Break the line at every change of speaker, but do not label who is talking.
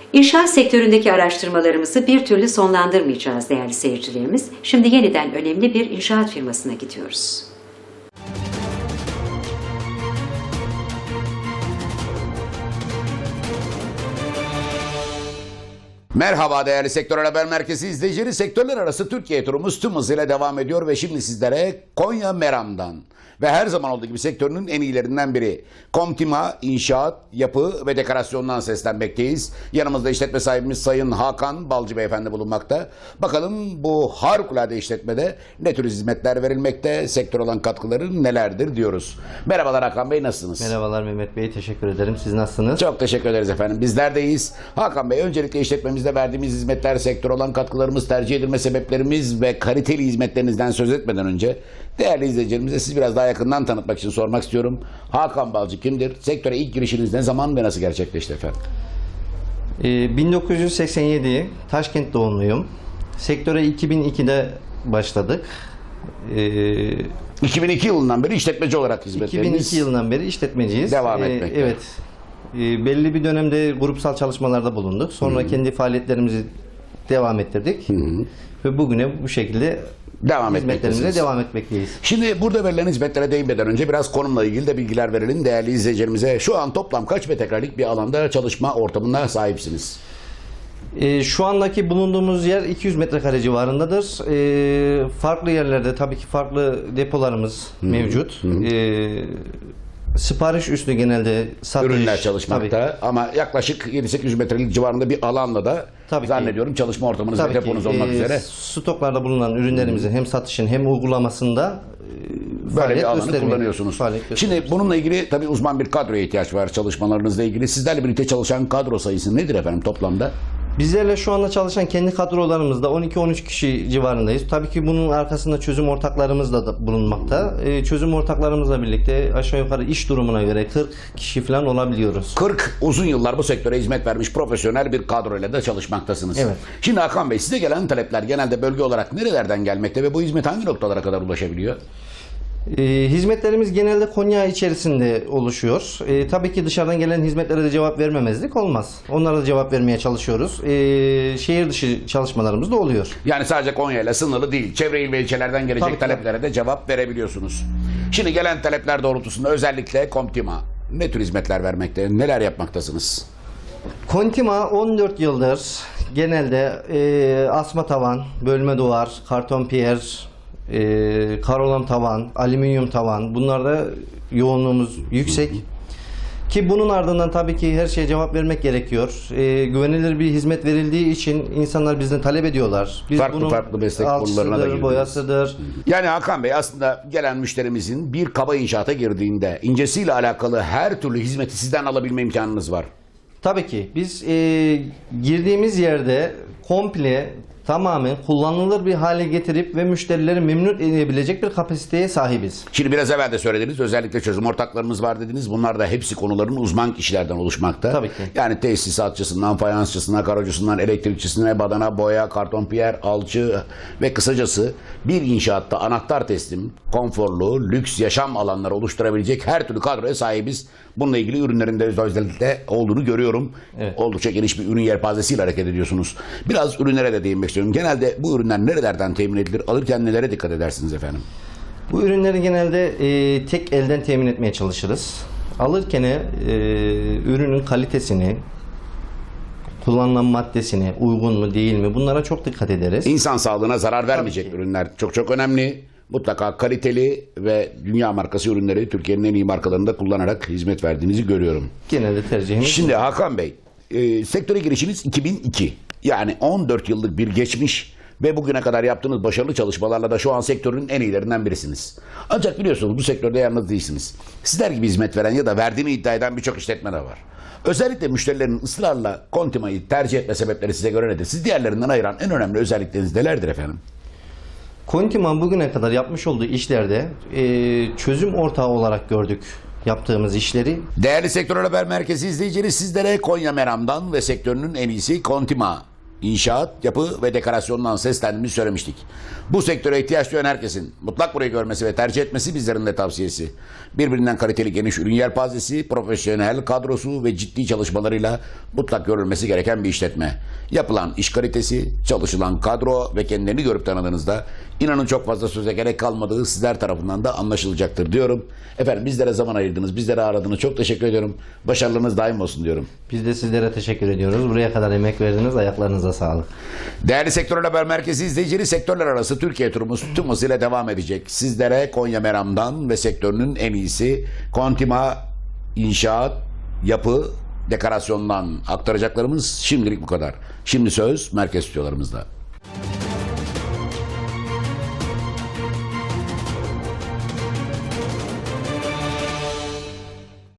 İnşaat sektöründeki araştırmalarımızı bir türlü sonlandırmayacağız değerli seyircilerimiz. Şimdi yeniden önemli bir inşaat firmasına gidiyoruz.
Merhaba değerli Sektör Haber Merkezi izleyicileri. Sektörler arası Türkiye turumuz tüm hızıyla devam ediyor ve şimdi sizlere Konya Meram'dan ve her zaman olduğu gibi sektörünün en iyilerinden biri Komtima İnşaat, Yapı ve Dekorasyon'dan seslenmekteyiz. Yanımızda işletme sahibimiz Sayın Hakan Balcı Beyefendi bulunmakta. Bakalım bu harikulade işletmede ne tür hizmetler verilmekte, sektör olan katkıları nelerdir diyoruz. Merhabalar Hakan Bey, nasılsınız?
Merhabalar Mehmet Bey, teşekkür ederim. Siz nasılsınız?
Çok teşekkür ederiz efendim. Bizler de iyiyiz. Hakan Bey, öncelikle işletmemizde verdiğimiz hizmetler, sektör olan katkılarımız, tercih edilme sebeplerimiz ve kaliteli hizmetlerinizden söz etmeden önce değerli izleyicilerimize siz biraz daha yakından tanıtmak için sormak istiyorum. Hakan Balcı kimdir? Sektöre ilk girişiniz ne zaman ve nasıl gerçekleşti efendim?
1987 Taşkent doğumluyum. Sektöre 2002'de başladık.
2002 yılından beri işletmeci olarak hizmetleriniz
2002 yılından beri işletmeciyiz.
devam etmekte.
Evet. Belli bir dönemde grupsal çalışmalarda bulunduk. Sonra kendi faaliyetlerimizi devam ettirdik. Ve bugüne bu şekilde hizmetlerimize devam etmekteyiz.
Şimdi burada verilen hizmetlere değinmeden önce biraz konumla ilgili de bilgiler verelim değerli izleyicilerimize. Şu an toplam kaç metrekarelik bir alanda çalışma ortamına sahipsiniz?
Şu andaki bulunduğumuz yer 200 metrekare civarındadır. Farklı yerlerde tabii ki farklı depolarımız mevcut. Sipariş üstü genelde satış.
Ürünler çalışmakta
tabii.
Ama yaklaşık 7-800 metrelik civarında bir alanda da
tabii
zannediyorum çalışma ortamınız ve
tabii
deponuz olmak üzere.
Stoklarda bulunan ürünlerimizin hem satışın hem uygulamasında
böyle bir alanı kullanıyorsunuz. Şimdi bununla ilgili tabii uzman bir kadroya ihtiyaç var çalışmalarınızla ilgili. Sizlerle birlikte çalışan kadro sayısı nedir efendim toplamda?
Bizlerle şu anda çalışan kendi kadrolarımızda 12-13 kişi civarındayız. Tabii ki bunun arkasında çözüm ortaklarımız da bulunmakta. Çözüm ortaklarımızla birlikte aşağı yukarı iş durumuna göre 40 kişi falan olabiliyoruz.
40 uzun yıllar bu sektöre hizmet vermiş profesyonel bir kadroyla da çalışmaktasınız.
Evet.
Şimdi Hakan Bey, size gelen talepler genelde bölge olarak nerelerden gelmekte ve bu hizmet hangi noktalara kadar ulaşabiliyor?
Hizmetlerimiz genelde Konya içerisinde oluşuyor. Tabii ki dışarıdan gelen hizmetlere de cevap vermemezlik olmaz. Onlara da cevap vermeye çalışıyoruz. Şehir dışı çalışmalarımız da oluyor.
Yani sadece Konya ile sınırlı değil. Çevre il ve ilçelerden gelecek
tabii,
taleplere de cevap verebiliyorsunuz. Şimdi gelen talepler doğrultusunda özellikle Komtima ne tür hizmetler vermekte, neler yapmaktasınız?
Kontima 14 yıldır genelde asma tavan, bölme duvar, karton piyer, karolam tavan, alüminyum tavan, bunlarda yoğunluğumuz yüksek. Ki bunun ardından tabii ki her şeye cevap vermek gerekiyor. Güvenilir bir hizmet verildiği için insanlar bizden talep ediyorlar. Biz
Farklı meslek kollarına da girdiniz.
Boyasıdır.
Yani Hakan Bey, aslında gelen müşterimizin bir kaba inşaata girdiğinde incesiyle alakalı her türlü hizmeti sizden alabilme imkanınız var.
Tabii ki biz girdiğimiz yerde komple tamamen kullanılır bir hale getirip ve müşterileri memnun edebilecek bir kapasiteye sahibiz.
Şimdi biraz evvel de söylediniz, özellikle çözüm ortaklarımız var dediniz. Bunlar da hepsi konuların uzman kişilerden oluşmakta.
Tabii ki.
Yani tesisatçısından, fayansçısına, karocusundan, elektrikçisine, badana, boya, karton piyer, alçı ve kısacası bir inşaatta anahtar teslim, konforlu, lüks yaşam alanları oluşturabilecek her türlü kadroya sahibiz. Bununla ilgili ürünlerinde özellikle olduğunu görüyorum.
Evet.
Oldukça geniş bir ürün yelpazesiyle hareket ediyorsunuz. Biraz ürünlere de değinmek istiyorum. Genelde bu ürünler nerelerden temin edilir? Alırken nelere dikkat edersiniz efendim?
Bu ürünleri genelde tek elden temin etmeye çalışırız. Alırken ürünün kalitesini, kullanılan maddesini, uygun mu değil mi, bunlara çok dikkat ederiz.
İnsan sağlığına zarar vermeyecek ürünler çok önemli. Mutlaka kaliteli ve dünya markası ürünleri Türkiye'nin en iyi markalarında kullanarak hizmet verdiğinizi görüyorum.
Genelde tercihimiz.
Şimdi Hakan Bey, sektöre girişiniz 2002. Yani 14 yıllık bir geçmiş ve bugüne kadar yaptığınız başarılı çalışmalarla da şu an sektörün en iyilerinden birisiniz. Ancak biliyorsunuz bu sektörde yalnız değilsiniz. Sizler gibi hizmet veren ya da verdiğini iddia eden birçok işletme de var. Özellikle müşterilerin ısrarla Kontima'yı tercih etme sebepleri size göre nedir? Siz diğerlerinden ayıran en önemli özellikleriniz nelerdir efendim?
Kontima bugüne kadar yapmış olduğu işlerde çözüm ortağı olarak gördük yaptığımız işleri.
Değerli Sektör Haber Merkezi izleyicileri, sizlere Konya Meram'dan ve sektörünün en iyisi Kontima inşaat, yapı ve dekorasyondan seslendiğimizi söylemiştik. Bu sektöre ihtiyaç duyan herkesin mutlak burayı görmesi ve tercih etmesi bizlerin de tavsiyesi. Birbirinden kaliteli geniş ürün yelpazesi, profesyonel kadrosu ve ciddi çalışmalarıyla mutlak görülmesi gereken bir işletme. Yapılan iş kalitesi, çalışılan kadro ve kendilerini görüp tanıdığınızda inanın çok fazla söze gerek kalmadığı sizler tarafından da anlaşılacaktır diyorum. Efendim bizlere zaman ayırdınız, bizlere aradınız. Çok teşekkür ediyorum. Başarılarınız daim olsun diyorum.
Biz de sizlere teşekkür ediyoruz. Buraya kadar emek verdiniz. Ayaklarınıza sağlık.
Değerli Sektörel Haber Merkezi izleyicileri, sektörler arası Türkiye turumuz tüm hızıyla devam edecek. Sizlere Konya Meram'dan ve sektörünün en iyisi Kontima inşaat, yapı, dekorasyondan aktaracaklarımız şimdilik bu kadar. Şimdi söz merkez stüdyolarımızda.